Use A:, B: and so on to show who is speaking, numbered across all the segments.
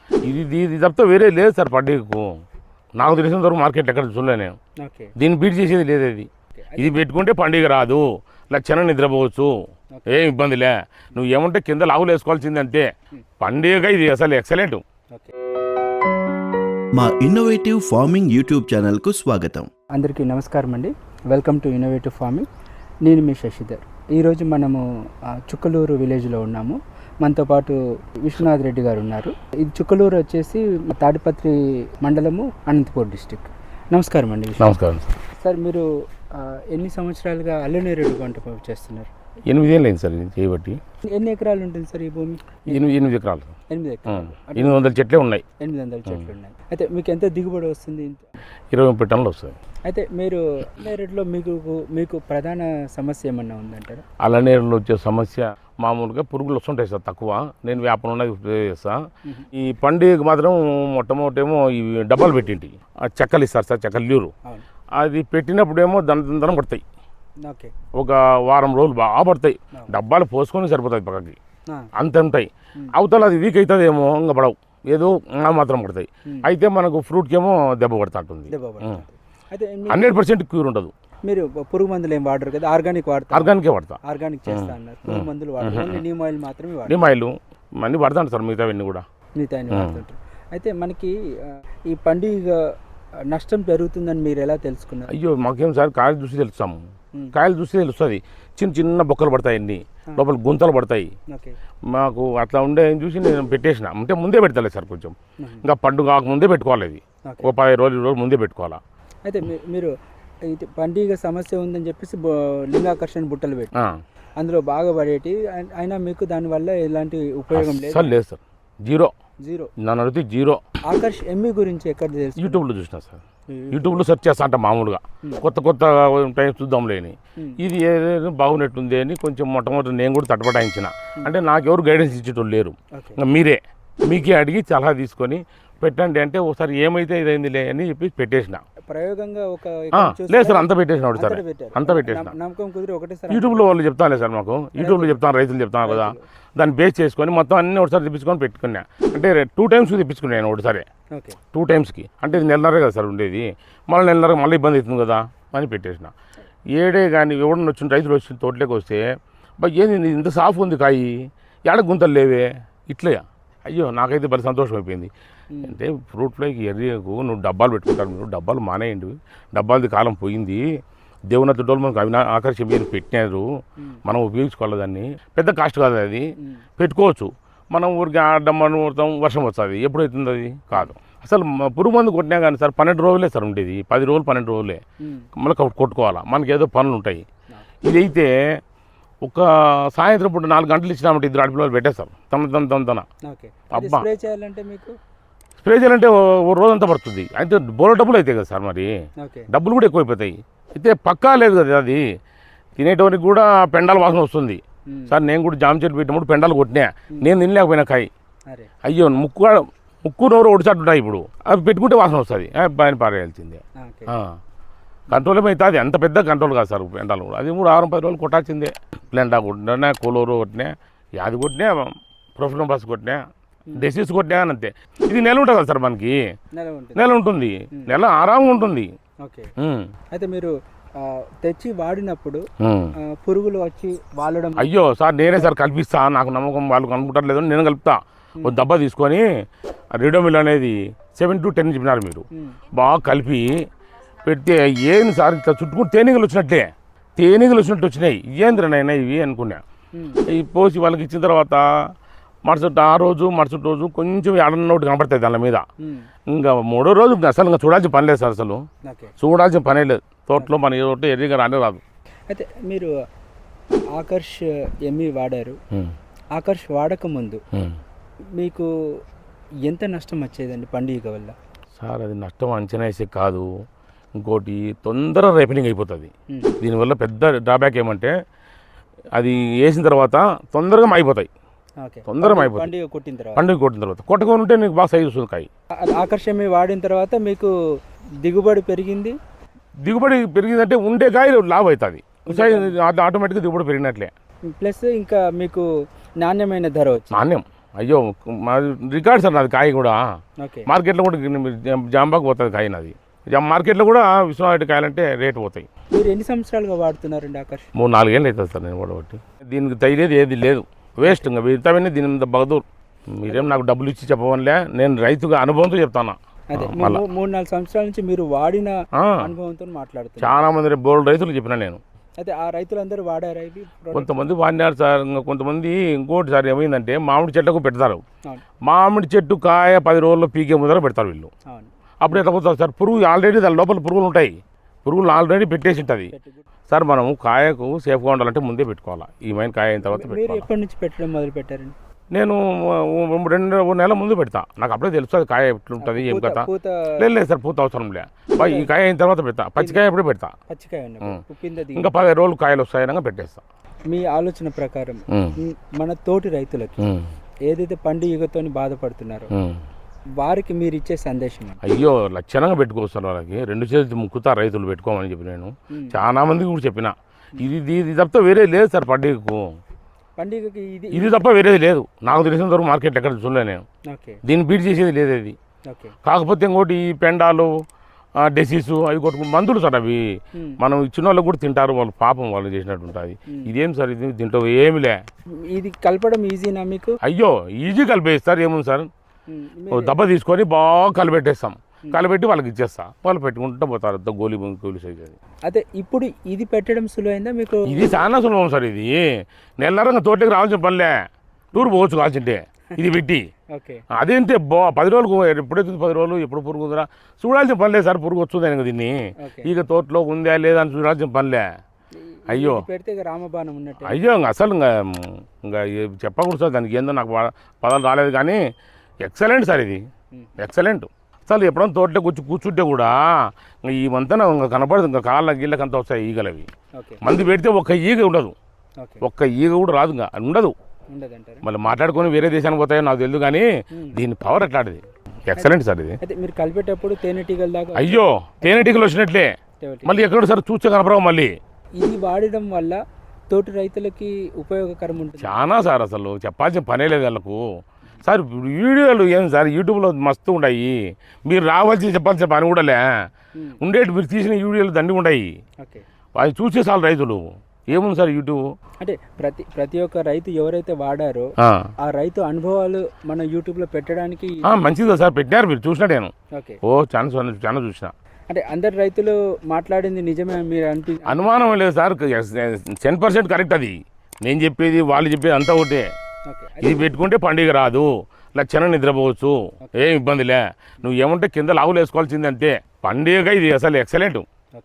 A: ఇది తప్పితే వేరే లేదు సార్ పండుగకు. నాకు తెలిసినంత వరకు మార్కెట్ ఎక్కడ చూడలే నేను. దీన్ని బీట్ చేసేది లేదు. ఇది పెట్టుకుంటే పండుగ రాదు, లక్షణ నిద్రపోవచ్చు, ఏం ఇబ్బందిలే. నువ్వు ఏమంటే కింద లావులు వేసుకోవాల్సింది అంతే. పండుగ ఇది అసలు ఎక్సలెంట్.
B: మా ఇన్నోవేటివ్ ఫార్మింగ్ యూట్యూబ్ ఛానల్కు స్వాగతం.
C: అందరికీ నమస్కారం అండి. Welcome to innovative farming. నేను మీ శశిధర్. ఈరోజు మనము చుక్కలూరు విలేజ్లో ఉన్నాము. మనతో పాటు విశ్వనాథ్ రెడ్డి గారు ఉన్నారు. ఇది చుక్కలూరు వచ్చేసి తాడిపత్రి మండలము, అనంతపూర్ డిస్టిక్. నమస్కారం అండి.
A: నమస్కారం
C: సార్, మీరు ఎన్ని సంవత్సరాలుగా అల్లనేరేడు పంట చేస్తున్నారు?
A: 8 ఏళ్ళు అయింది సార్ ఇది చేయబట్టి.
C: ఎన్ని ఎకరాలు ఉంటుంది సార్ ఈ భూమి?
A: 8 ఎకరాలు.
C: 8 ఎకరాలు.
A: 800 చెట్లే ఉన్నాయి.
C: 800 చెట్లు ఉన్నాయి. అయితే మీకు ఎంత దిగుబడి వస్తుంది?
A: 20 టన్నులు వస్తుంది.
C: అయితే మీరు అల్లనేరేడులో మీకు ప్రధాన సమస్య ఏమన్నా ఉందంటారా?
A: అల్లనేరులో వచ్చే సమస్య మామూలుగా పురుగులు వస్తుంటాయి సార్, తక్కువ. నేను వ్యాపారం ఉన్నది స్ప్రే చేస్తా. ఈ పండుగ మాత్రం మొట్టమొదటేమో ఇవి డబ్బాలు పెట్టింటి, చెక్కలు ఇస్తారు సార్, చెక్కలు లీరు. అది పెట్టినప్పుడేమో దండం పడతాయి. ఒక వారం రోజులు బాగా పడతాయి. డబ్బాలు పోసుకొని సరిపోతాయి పక్కకి, అంత ఉంటాయి. అవతల అది వీక్ అవుతుందేమో, ఇంకా పడవు, ఏదో మాత్రం పడతాయి. అయితే మనకు ఫ్రూట్కేమో దెబ్బ పడతా ఉంటుంది. 100% క్యూర్ ఉండదు.
C: మీరు పురుగు మందులు ఏం వాడరు కదా? ఆర్గానిక్ వాడతారు?
A: ఆర్గానికే వాడతా.
C: ఆర్గానిక్ చేస్తా అన్నారు. పురుగు మందులు వాడతారు, నీమ్ ఆయిల్ మాత్రమే వాడతారు.
A: నీమ్ ఆయిల్ అన్నీ వాడతాను సార్, మిగతావన్నీ కూడా
C: వాడుతుంటారు. అయితే మనకి ఈ పండుగ నష్టం పెరుగుతుందని మీరు ఎలా తెలుసుకున్నారు?
A: అయ్యో మాకేం సార్, కాయలు చూసి తెలుస్తాము. కాయలు చూసి తెలుస్తుంది. చిన్న చిన్న బొక్కలు పడతాయి, అన్ని లోపల గుంతలు పడతాయి. మాకు అట్లా ఉండే చూసి నేను పెట్టేసిన. అంటే ముందే పెడతలేదు సార్, కొంచెం ఇంకా పండుగ ముందే పెట్టుకోవాలి. ఇది ఒక 10 రోజులు ముందే పెట్టుకోవాలా.
C: అయితే మీరు పండుగ సమస్య ఉందని చెప్పేసి లింగాకర్షణ బుట్టలు పెట్టి అందులో బాగా పడేటి, అయినా మీకు దానివల్ల ఎలాంటి ఉపయోగం లేదు?
A: సార్ లేదు సార్, జీరో. నన్ను అడిగితే జీరో.
C: ఆకర్ష్ ఎమ్మి గురించి ఎక్కడ తెలుసు?
A: యూట్యూబ్లో చూసిన సార్. యూట్యూబ్లో సెర్చ్ చేస్తా అంట మామూలుగా, కొత్త టైం చూద్దాంలేని. ఇది ఏదైనా బాగున్నట్టుంది అని కొంచెం మొట్టమొదటి నేను కూడా తటపటాయించిన. అంటే నాకెవరు గైడెన్స్ ఇచ్చేటోళ్ళు లేరు. మీరే మీకే అడిగి సలహా తీసుకొని పెట్టండి అంటే ఒకసారి ఏమైతే ఇదైందిలే అని చెప్పి పెట్టేసిన.
C: ప్రయోగంగా
A: లేదు సార్, అంత పెట్టేసిన ఒకటి సార్, అంత పెట్టేసిన.
C: నమ్మకం కుదిరి ఒకటేసారి
A: యూట్యూబ్లో వాళ్ళు చెప్తాను సార్, మాకు యూట్యూబ్లో చెప్తాను, రైతులు చెప్తాను కదా, దాన్ని బేస్ చేసుకొని మొత్తం అన్నీ ఒకసారి తెప్పించుకొని పెట్టుకున్నా. అంటే 2 టైమ్స్ తెప్పించుకున్నాను ఒకటిసారి. 2 టైమ్స్కి అంటే ఇది నెలన్నరే కదా సార్ ఉండేది. మళ్ళీ నెలన్నర మళ్ళీ ఇబ్బంది అవుతుంది కదా అని పెట్టేసిన. ఏడే కానీ ఎవడన్నా వచ్చిన రైతులు వచ్చిన తోటలోకి వస్తే, ఏంది ఇంత సాఫ్ ఉంది కాయి, ఏడ గుంతలు లేవే, ఇట్లా. అయ్యో నాకైతే భలే సంతోషం అయిపోయింది. అంటే ఫ్రూట్ ఫ్లైకి ఎర్రియకు నువ్వు డబ్బాలు పెట్టుకుంటారు, మీరు డబ్బాలు మానేయండి, డబ్బాలది కాలం పోయింది. దేవునత్త డోలు మనకు ఆకర్షణ పెట్టినారు, మనం ఉపయోగించుకోవాలి. దాన్ని పెద్ద కాస్ట్ కాదు, అది పెట్టుకోవచ్చు. మనం ఊరికి ఆడమ్మను కొడతాం, వర్షం వస్తుంది, ఎప్పుడవుతుంది అది కాదు. అసలు పురుగు మందు కొట్టినా కానీ సార్ 12 రోజులే సార్ ఉండేది. 10 రోజులు 12 రోజులే మళ్ళీ కొట్టుకోవాలా, మనకి ఏదో పనులు ఉంటాయి. ఇదైతే ఒక సాయంత్రం పూట 4 గంటలు ఇచ్చినామంటే 2 ఆడపిల్లలు పెట్టేస్తారు తన. అబ్బా, స్ప్రే చేయాలంటే ఓ రోజంతా పడుతుంది. అయితే బోల డబ్బులు అవుతాయి కదా సార్, మరి డబ్బులు కూడా ఎక్కువైపోతాయి. అయితే పక్కా లేదు కదా, అది తినేటోనికి కూడా పెండాల వాసన వస్తుంది సార్. నేను కూడా జామ చెట్టు పెట్టినప్పుడు పెండాలు కొట్టినా, నేను తినలేకపోయినా కాయ. అయ్యో ముక్కు నోరు ఒడిచాటుంటాయి. ఇప్పుడు అవి పెట్టుకుంటే వాసన వస్తుంది, బాగా పారేయాల్సిందే. కంట్రోల్ ఏమవుతుంది, అంత పెద్ద కంట్రోల్ కాదు సార్ పెండాలు కూడా. అది 6-10 రోజులు కొట్టాల్సిందే. ప్లెండా కొట్టినా, కోలోరు కొట్టినా, యాది కొట్టినా, ప్రొఫెషనల్ బస్ కొట్టినా, డెసిస్ కొట్టినా అంతే. ఇది నెల ఉంటుంది కదా సార్, మనకి నెల ఉంటుంది, నెల ఆరాంగా ఉంటుంది.
C: అయితే మీరు తెచ్చి వాడినప్పుడు పురుగులు వచ్చి వాడడం?
A: అయ్యో సార్, నేనే సార్ కల్పిస్తా, నాకు నమ్మకం వాళ్ళు కనుక్కుంటారు లేదని నేను కలుపుతా. ఒక డబ్బా తీసుకొని రిడోమిల్ అనేది 7 to 10 చెప్పినారు మీరు, బాగా కలిపి పెడితే ఏంది సార్ ఇట్లా చుట్టుకుంటూ తేనీగలు వచ్చినట్టు వచ్చినాయి. ఏంద్రనైనా ఇవి అనుకున్నా. ఈ పోసి వాళ్ళకి ఇచ్చిన తర్వాత మరుసటి రోజు కొంచెం ఏడన్నోటి కనపడతాయి దాని మీద. ఇంకా 3వ రోజు అసలు ఇంకా చూడాల్సిన పని లేదు సార్, అసలు చూడాల్సిన పనే లేదు. తోటలో మన తోట ఎర్రిగా రానే రాదు.
C: అయితే మీరు ఆకర్ష్ ఎమ్మి వాడారు. ఆకర్ష్ వాడక ముందు మీకు ఎంత నష్టం వచ్చేదండి పండుగ వల్ల?
A: సార్ అది నష్టం అంచనా వేసే కాదు, ఇంకోటి తొందరగా రైపెనింగ్ అయిపోతుంది. దీనివల్ల పెద్ద డ్రాబ్యాక్ ఏమంటే అది వేసిన తర్వాత తొందరగా అయిపోతాయి. తొందరగా అయిపోతుంది పండుగ కొట్టిన తర్వాత. కొట్టకొని ఉంటే నీకు బాగా సైజు వస్తుంది కాయ.
C: ఆకర్షణ వాడిన తర్వాత మీకు దిగుబడి
A: పెరిగిందంటే ఉండే కాయ లాభ అవుతుంది, ఆటోమేటిక్గా దిగుబడి పెరిగినట్లే.
C: ప్లస్ ఇంకా మీకు నాణ్యమైన ధర వచ్చింది.
A: నాణ్యం అయ్యో మా రికార్డ్ సార్ నాది కాయ కూడా
C: ఓకే
A: మార్కెట్లో కూడా జాంబాకు పోతుంది కాయ నాది మార్కెట్లో కూడా విశ్వనాథ్ కాయలంటే రేటు పోతాయి.
C: మీరు ఎన్ని సంవత్సరాలుగా వాడుతున్నారండి ఆకర్ష్?
A: 3-4 ఏళ్ళు అవుతుంది సార్ నేను వాడబట్టి. దీనికి తగిలేది ఏది లేదు, వేస్ట్ ఇంకా మిగతావన్నీ దీని మీద బగదూర్. మీరేం నాకు డబ్బులు ఇచ్చి చెప్పవనిలే, నేను రైతుగా అనుభవంతో చెప్తాను.
C: అదే 3-4 సంవత్సరాల నుంచి మీరు వాడిన అనుభవంతో మాట్లాడుతున్నారు.
A: చాలా మంది బోల్డ్ రైతులు చెప్పిన నేను.
C: అయితే ఆ రైతులందరూ వాడారా ఇవి?
A: కొంతమంది వాడినారు సార్, ఇంకా కొంతమంది ఇంకోటి సార్ ఏమైందంటే మామిడి చెట్లకు పెడతారు.
C: అవును
A: మామిడి చెట్టు కాయ 10 రోజుల్లో పీకే ముందర పెడతారు వీళ్ళు.
C: అవును
A: అప్పుడు ఎట్లా పోతుంది సార్, పురుగు ఆల్రెడీ దాని లోపల పురుగులు ఉంటాయి, పురుగులు ఆల్రెడీ పెట్టేసి ఉంటుంది సార్. మనము కాయకు సేఫ్గా ఉండాలంటే ముందే పెట్టుకోవాలి. ఈ మైన కాయ అయిన తర్వాత
C: మీరు
A: పెట్టుకోవాలి.
C: ఎప్పటి నుంచి పెట్టడం మొదలు పెట్టారండి?
A: నేను 2 నెలల ముందు పెడతా, నాకు అప్పుడే తెలుస్తుంది కాయ ఎట్లుంటుంది ఏం కథ.
C: పూత
A: లేదు సార్ పూత అవసరం లే, ఈ కాయ అయిన తర్వాత పెడతా. పచ్చికాయ ఎప్పుడే పెడతా,
C: పచ్చికాయ ఉప్పింద
A: ఇంకా 10 రోజులు కాయలు వస్తాయనగా పెట్టేస్తా.
C: మీ ఆలోచన ప్రకారం మన తోటి రైతులకి ఏదైతే పండుగతో బాధపడుతున్నారో వారికి మీరు ఇచ్చే సందేశం ఏంటి?
A: అయ్యో లక్షణంగా పెట్టుకోవచ్చు వాళ్ళకి, 2 చేతులు ముక్కుతా రైతులు పెట్టుకోమని చెప్పి నేను చాలా మందికి కూడా చెప్పిన. ఇది తప్ప వేరే లేదు సార్
C: పండుగకి
A: ఇది తప్ప వేరేది లేదు. నాకు తెలిసినంత వరకు మార్కెట్ ఎక్కడ చూడలే నేను.
C: ఓకే
A: దీన్ని బీట్ చేసేది లేదు ఇది.
C: ఓకే
A: కాకపోతే ఇంకోటి ఈ పెండాలు డెసీస్ అవి కొట్టుకుని మందులు సార్ అవి. మనం ఇచ్చిన వాళ్ళకి కూడా తింటారు, వాళ్ళు పాపం వాళ్ళు చేసినట్టు ఉంటుంది. ఇదేం సార్ ఇది తింటావు ఏమిలే.
C: ఇది కలపడం ఈజీనా మీకు?
A: అయ్యో ఈజీ కలిపేస్తారు, ఏముంది సార్, దెబ్బ తీసుకొని బాగా కలిపెట్టేస్తాం, కలిపెట్టి వాళ్ళకి ఇచ్చేస్తా, వాళ్ళు పెట్టుకుంటూ పోతారు. గోలీ సైజ్ అది.
C: అదే ఇప్పుడు ఇది పెట్టడం సులువైందా మీకు?
A: ఇది చాలా సులభం సార్. ఇది నెలరంగా తోటకి రావాల్సిన పనిలే, టూర్ పోవచ్చు కావాల్సింటే ఇది పెట్టి.
C: ఓకే
A: అదేంటే 10 రోజులకు ఎప్పుడైతుంది 10 రోజులు ఎప్పుడు పురుగు ఉందిరా చూడాల్సిన పనిలే సార్. పురుగు వస్తుంది దీన్ని ఇక తోటలో ఉందా లేదా అని చూడాల్సిన పనిలే. అయ్యో
C: పెడితే రామబాణం ఉన్నట్టు.
A: అయ్యో అసలు ఇంకా చెప్పకూడదు సార్, దానికి ఏందో నాకు పదాలు రాలేదు కానీ ఎక్సలెంట్ సార్ ఇది, ఎక్సలెంట్. అసలు ఎప్పుడైనా తోటలో కూర్చుంటే కూడా ఈ మంతన ఇంకా కనపడదు, ఇంకా కాళ్ళ గీళ్ళకి అంతా వస్తాయి ఈగలు అవి. మంది పెడితే ఒక్క ఈగ ఉండదు, ఒక్క ఈగ కూడా రాదు, ఇంకా ఉండదు. మళ్ళీ మాట్లాడుకొని వేరే దేశానికి పోతాయో నాకు తెలియదు కానీ దీని పవర్ ఎట్లాంటిది, ఎక్సలెంట్ సార్ ఇది.
C: అయితే మీరు కలిపేటప్పుడు తేనెటీగల దాకా?
A: అయ్యో తేనెటీగలు వచ్చినట్లే, మళ్ళీ ఎక్కడ సార్ చూస్తే కనపడవు. మళ్ళీ
C: ఇది వాడడం వల్ల తోటి రైతులకి ఉపయోగకరం ఉంటుంది
A: చాలా సార్. అసలు చెప్పాల్సిన పనే లేదు వాళ్ళకు సార్. వీడియోలు ఏం సార్ యూట్యూబ్లో మస్తు ఉన్నాయి, మీరు రావాల్సి చెప్పాల్సిన పని కూడా లే. ఉండేటి మీరు తీసిన వీడియోలు దండి ఉన్నాయి, అవి చూసే చాలు రైతులు. ఏముంది సార్ యూట్యూబ్
C: అంటే ప్రతి ఒక్క రైతు ఎవరైతే వాడారో ఆ రైతు అనుభవాలు మన యూట్యూబ్లో పెట్టడానికి
A: మంచిదా సార్. పెట్టినారు మీరు చూసినా నేను.
C: ఓకే
A: చాలా చూసిన.
C: అంటే అందరు రైతులు మాట్లాడింది నిజమే మీరు
A: అనుమానం లేదు సార్, 10% కరెక్ట్ అది. నేను చెప్పేది వాళ్ళు చెప్పేది అంతా ఒకటే. ఇది పెట్టుకుంటే పండుగ రాదు, లక్షణం నిద్రపోవచ్చు, ఏం ఇబ్బందిలే. నువ్వు ఏమంటే కింద లావులు వేసుకోవాల్సింది అంతే. పండుగ ఇది అసలు ఎక్సలెంట్.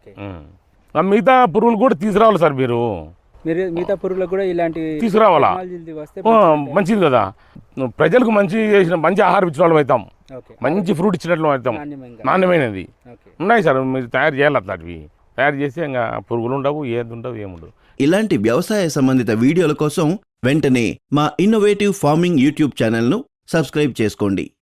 A: మిగతా పురుగులు కూడా తీసుకురావాలి సార్ మీరు
C: మిగతా పురుగులకు కూడా ఇలాంటి
A: తీసుకురావాలా, మంచిది కదా. ప్రజలకు మంచి ఆహారం ఇచ్చిన వాళ్ళు అవుతాం, మంచి ఫ్రూట్ ఇచ్చినట్లు అవుతాం, నాణ్యమైనది ఉన్నాయి సార్. మీరు తయారు చేయాలి, అట్లాంటివి తయారు చేస్తే ఇంకా పురుగులు ఉండవు, ఏది ఉండవు, ఏముండవు.
B: ఇలాంటి వ్యవసాయ సంబంధిత వీడియోల కోసం వెంటనే మా ఇన్నోవేటివ్ ఫార్మింగ్ యూట్యూబ్ ఛానల్ను సబ్స్క్రైబ్ చేసుకోండి.